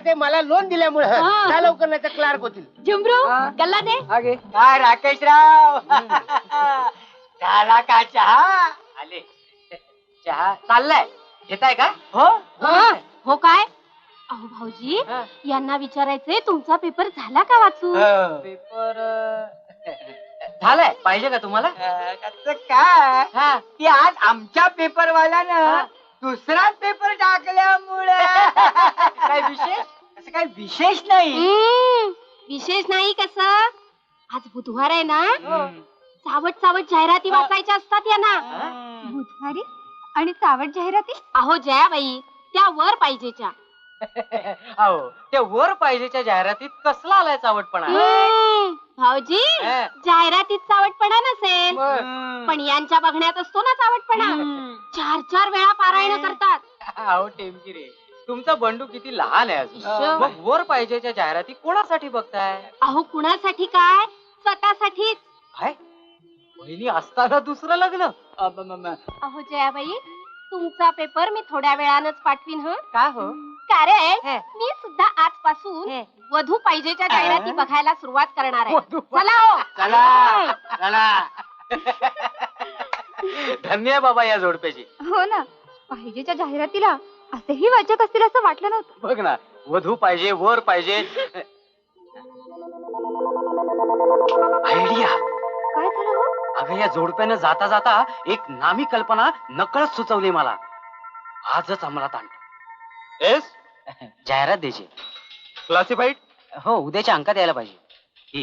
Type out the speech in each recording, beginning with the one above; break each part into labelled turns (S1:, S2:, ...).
S1: ते मला लोन दिल्यामुळे त्या लवकर नाही तर क्लार्क होतील.
S2: झुमरू गल्ला दे.
S3: आगे
S1: काय राकेशराव झाला का चहा? आले चहा चाललाय घेताय का? हो
S2: हो काय अहो भाऊजी यांना विचारायचंय तुमचा पेपर झाला का वाचू?
S1: पेपर झालाय पाहिजे का तुम्हाला? काय की आज आमच्या पेपरवाल्यानं दुसरा पेपर टाकल्यामुळे काय विशेष? असं काही विशेष नाही.
S2: विशेष नाही कसं आज बुधवार आहे ना चावट चावट जाहिराती वाचायच्या असतात यांना.
S4: बुधवारी आणि चावट जाहिराती?
S2: अहो जयाबाई त्या वर पाहिजेच्या.
S1: अहो त्या वर पाहिजेच्या जाहिरातीत कसला आलाय चावटपणा?
S2: भाऊजी जाहिरातीत चावटपणा नसेल पण यांच्या बघण्यात असतो ना चावटपणा. 4-4 वेळा पारायण करतात.
S1: अहो टेमकी रे तुमचा बंडू किती लहान आहे अजून. मग वर पाहिजेच्या जाहिराती कोणासाठी बघताय?
S2: अहो कुणासाठी काय स्वतःसाठीच.
S1: काय बहिणी असताना दुसरं लग्न?
S2: अहो जयाबाई तुमचा पेपर मी थोड्या वेळानच पाठवीन.
S1: काय हो?
S2: कारण मी सुद्धा आजपासून वधू पाहिजेच्या जाहिराती बघायला सुरुवात करणार आहे. चला हो
S1: चला चला. धन्य आहे बाबा या जोडप्याची.
S4: हो ना पाहिजेच्या जाहिरातीला असेही वाचक असतील असं वाटलं नव्हतं.
S1: बघ ना वधू पाहिजे वर पाहिजे. आयडिया.
S4: काय झालं हो?
S1: अगं या जोडप्यानं जाता जाता एक नामी कल्पना नकळत सुचवली मला. आजच अंमलात आणतो.
S5: येस
S1: जाहिरात द्यायची.
S5: क्लासिफाईड.
S1: हो उद्याच्या अंकात यायला पाहिजे. ही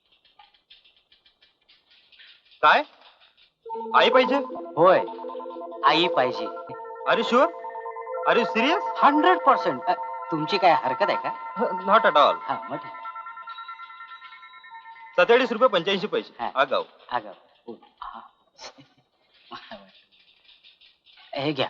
S5: काय आई पाहिजे?
S1: होय आई पाहिजे.
S5: Are you sure? Are you serious?
S1: 100%. तुमची काय हरकत आहे का?
S5: Not at all.
S1: हा मग ठीक.
S5: 47 रुपये 85 पैसे.
S1: हा.
S5: आगाऊ.
S1: अगं हे घ्या.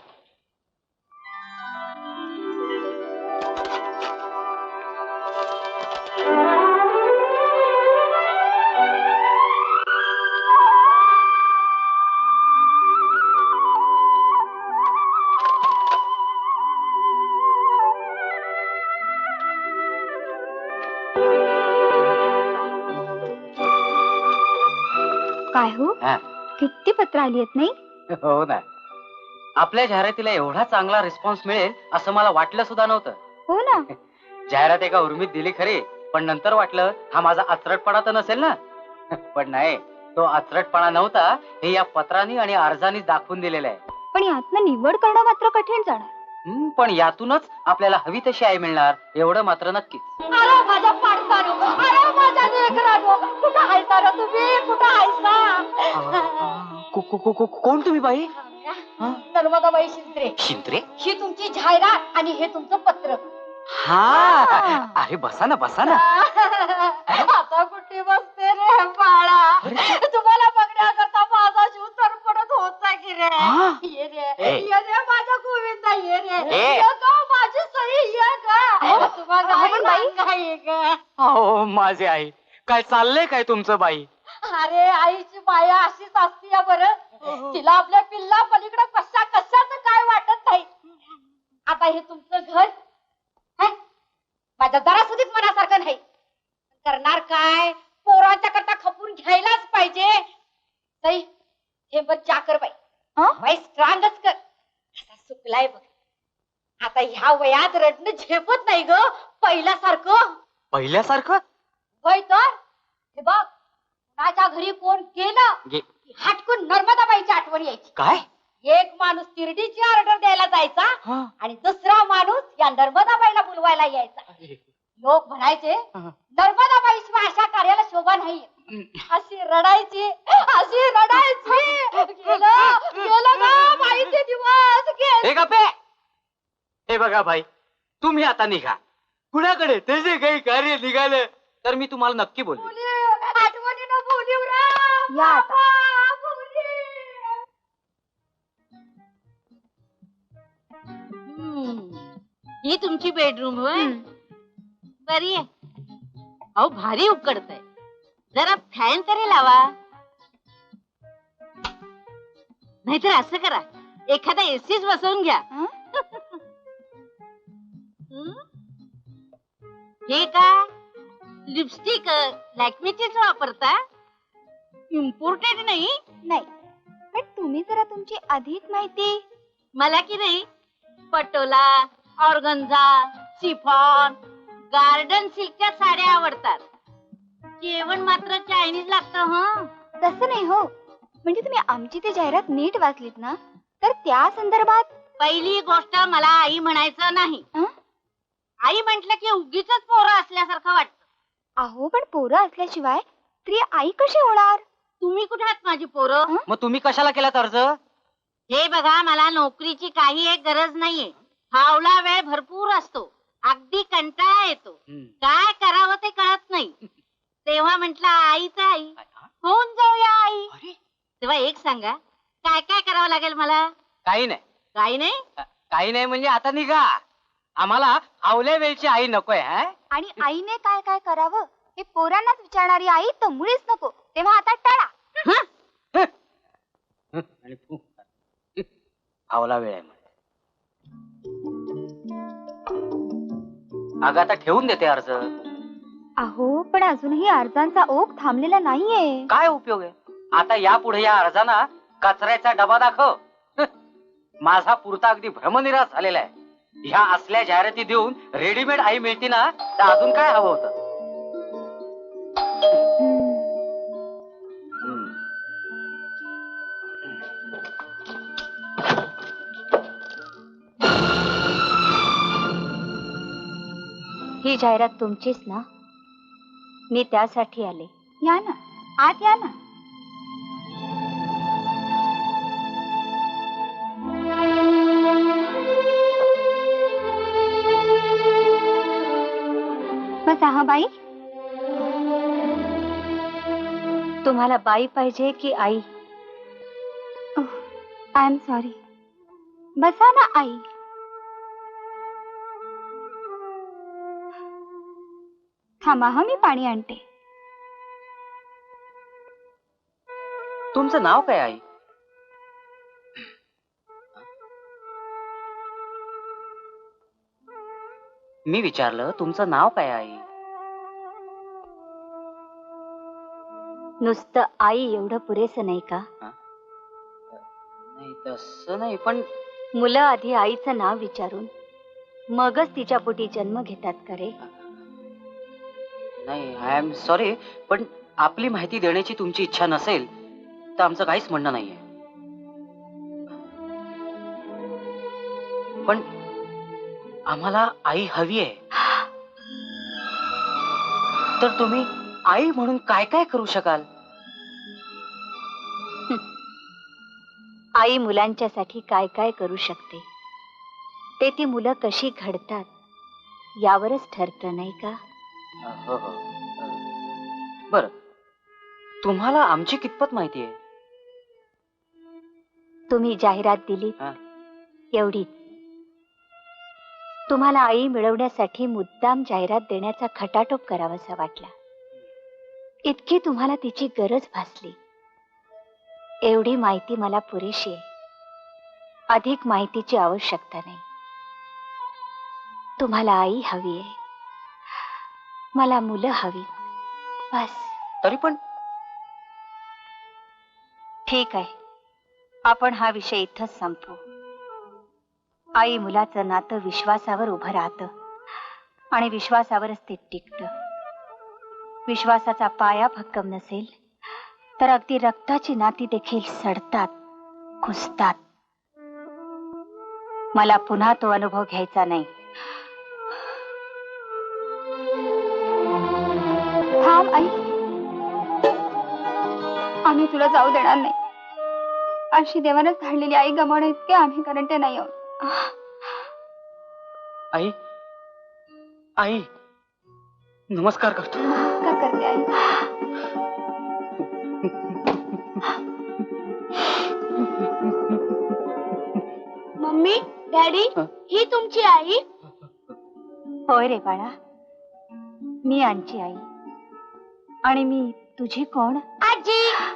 S4: काय हो किती पत्र आली आहेत नाही?
S1: हो ना आपल्या जाहिरातीला एवढा चांगला रिस्पॉन्स मिळेल असं मला वाटलं सुद्धा नव्हतं.
S4: हो ना
S1: जाहिरात एका उर्मीत दिली खरी पण नंतर वाटलं हा माझा आचरटपणा तर नसेल ना. पण नाही तो आचरटपणा नव्हता हे या पत्रांनी आणि अर्जानी दाखवून दिलेलं आहे.
S4: पण यातनं निवड करणं मात्र कठीण जाणार.
S1: पण यातूनच आपल्याला हवी तशी आई मिळणार एवढं मात्र नक्कीच.
S2: अरे माझ्या पाडसानो अरे माझ्या लेकरानो कुठं हायसा रे तुम्ही कुठं हायसा?
S1: कोण तुम्ही बाई?
S2: नर्मदाबाई शिंत्रे.
S1: शिंत्रे?
S2: ही तुमची जाहिरात आणि हे तुमचं पत्र.
S1: हा अरे बसा ना बसा ना.
S2: आता कुठे बसते रे बाळा? तुम्हाला बघण्याकरता माझा जीव तरफडत होता की रे. ये रे माझ्या गोविंदा ये रे. ये ग माझी सई ये ग. तुम्हाला
S1: हो माझे आई काय चाललंय काय तुमचं बाई?
S2: अरे आईची माया अशीच असती या बरं. तिला आपल्या पिल्ला पलीकडे कशाचं काय वाटत नाही. आता हे तुमचं घर माझ्या जरा सुधीच मनासारखं नाही. करणार काय पोरांच्या करता खपून घ्यायलाच पाहिजे. ताई हे बघ चाकर बाई स्ट्रॉंगच कर. असा सुकलाय बघ. आता ह्या वयात रडणं झेपत नाही ग पहिल्यासारखं.
S1: पहिल्यासारखं?
S2: होय तर हे बघ माझ्या घरी कोण गेलं हटकून नर्मदाबाईची आठवण यायची.
S1: काय?
S2: एक माणूस तिरडीची ऑर्डर द्यायला जायचा आणि दुसरा माणूस या नर्मदाबाईला बोलवायला यायचा. लोक म्हणायचे नर्मदाबाईशिवाय अशा कार्याला शोभा नाही. अशी रडायची अशी रडायची. गेलं ना बाईचे दिवस गेले.
S1: हे बघा भाई तुम्ही आता निघा. कुणाकडे त्याचे काही कार्य निघालं तर मी तुम्हाला नक्की बोलतो.
S2: आठवणीनं बोलीव
S4: या आता.
S2: ही तुमची बेडरूम होय? बरी आहे. अहो भारी उकडतंय. जरा फॅन तरी लावा. नाहीतर असं करा एखादा एसीच बसवून घ्या. हे काय लिपस्टिक लॅक्मेचीच वापरता? इम्पोर्टेड नाही?
S4: नाही, पण तुम्ही जरा तुमची अधिक माहिती.
S2: मला की नाही पटोला, ऑर्गन्झा, सिफॉन, गार्डन सिल्कच्या साड्या आवडतात. जेवण मात्र चायनीज लागतं हं.
S4: तसं नाही हो, म्हणजे तुम्ही आमची ती जाहिरात नीट वाचलीत ना, तर त्या संदर्भात.
S2: पहिली गोष्ट मला आई म्हणायचं नाही.
S4: हं?
S2: आई म्हंटल की उगीच पोरं असल्यासारखं वाटतं.
S4: अहो, पण पोरं असल्याशिवाय स्त्री आई कशी होणार?
S2: तुम्ही कुठे आहात माझी पोरं?
S1: मग तुम्ही कशाला केलात अर्ज?
S2: हे बघा, मला नोकरीची काही एक गरज नाहीये. फावला वेळ भरपूर असतो, अगदी कंटाळा येतो. काय करावं ते कळत नाही. तेव्हा म्हंटल आई तर आई, होऊन जाऊया आई.
S1: अरे
S2: तेव्हा एक सांगा, काय काय करावं लागेल मला?
S1: काही नाही,
S2: काही नाही.
S1: काही नाही म्हणजे आता निघा. आम्हाला आवल्या वेळची आई नकोय. हा
S4: आणि आईने काय काय करावं हे पोरांनाच विचारणारी आई तर मुळीच नको. तेव्हा आता टाळा.
S1: आणि तू आवला वेळ आहे म्हणे. अगं आता ठेवून देते अर्ज.
S4: अहो, पण अजूनही अर्जांचा ओघ थांबलेला नाहीये.
S1: काय उपयोग आहे? आता यापुढे या अर्जाना कचऱ्याचा डबा दाखव. माझा पुरता अगदी भ्रमनिराश झालेला आहे. ह्या असल्या जाहिराती देऊन रेडीमेड आई मिळती ना, तर अजून काय हवं होतं?
S2: ही जाहिरात तुमचीच ना? मी त्यासाठी आले.
S4: या ना, आत या ना. बसा हा बाई.
S2: तुम्हाला बाई पाहिजे की आई?
S4: I am sorry. बसा ना आई. थांबा हा, मी पाणी आणते.
S1: तुमचं नाव काय आई? मी विचारलं तुमचं नाव काय आई?
S2: नुसतं आई एवढं पुरेसं नाही का?
S1: नाही तसं नाही, पण
S2: मुलं आधी आईचं नाव विचारून मगच तिच्या पोटी जन्म घेतात का रे?
S1: नाही, आय एम सॉरी, पण आपली माहिती देण्याची तुमची इच्छा नसेल तर आमचं काहीच म्हणणं नाहीये. पण आम्हाला आई हवी आहे. तर तुम्ही आई म्हणून काय काय करू शकाल?
S2: आई मुलांच्यासाठी काय काय करू शकते ते ती मुलं कशी घडतात यावरच ठरतं, नाही का?
S1: हो हो. बर, तुम्हाला आमची कितपत माहिती आहे?
S2: तुम्ही जाहिरात दिली
S1: हा.
S2: एवढीच. तुम्हाला आई मिळवण्यासाठी मुद्दाम जाहिरात देण्याचा खटाटोप करावासा वाटला. इतकी तुम्हाला तिची गरज भासली. एवढी माहिती मला पुरेशी आहे. अधिक माहितीची आवश्यकता नाही. तुम्हाला आई हवी आहे, मला मुलं हवी. बस.
S1: तरी पण
S2: ठीक आहे, आपण हा विषय इथंच संपवू. आई मुलाचं नातं विश्वासावर उभं राहतं आणि विश्वासावरच ते टिकतं. विश्वासाचा पाया भक्कम नसेल तर अगदी रक्ताची नाती देखील सडतात, खुसतात. मला पुन्हा तो अनुभव घ्यायचा नाही.
S4: थांब आई, आम्ही तुला जाऊ देणार नाही. अशी देवानच धाडलेली आई गमावणे इतके आम्ही करंटे नाही आहोत.
S1: आई, आई नमस्कार करतो.
S4: नमस्कार करते आई.
S2: मम्मी, डॅडी, ही तुमची आई? होय रे बाळा, मी आमची आई. आणि मी तुझी कोण?
S4: आजी.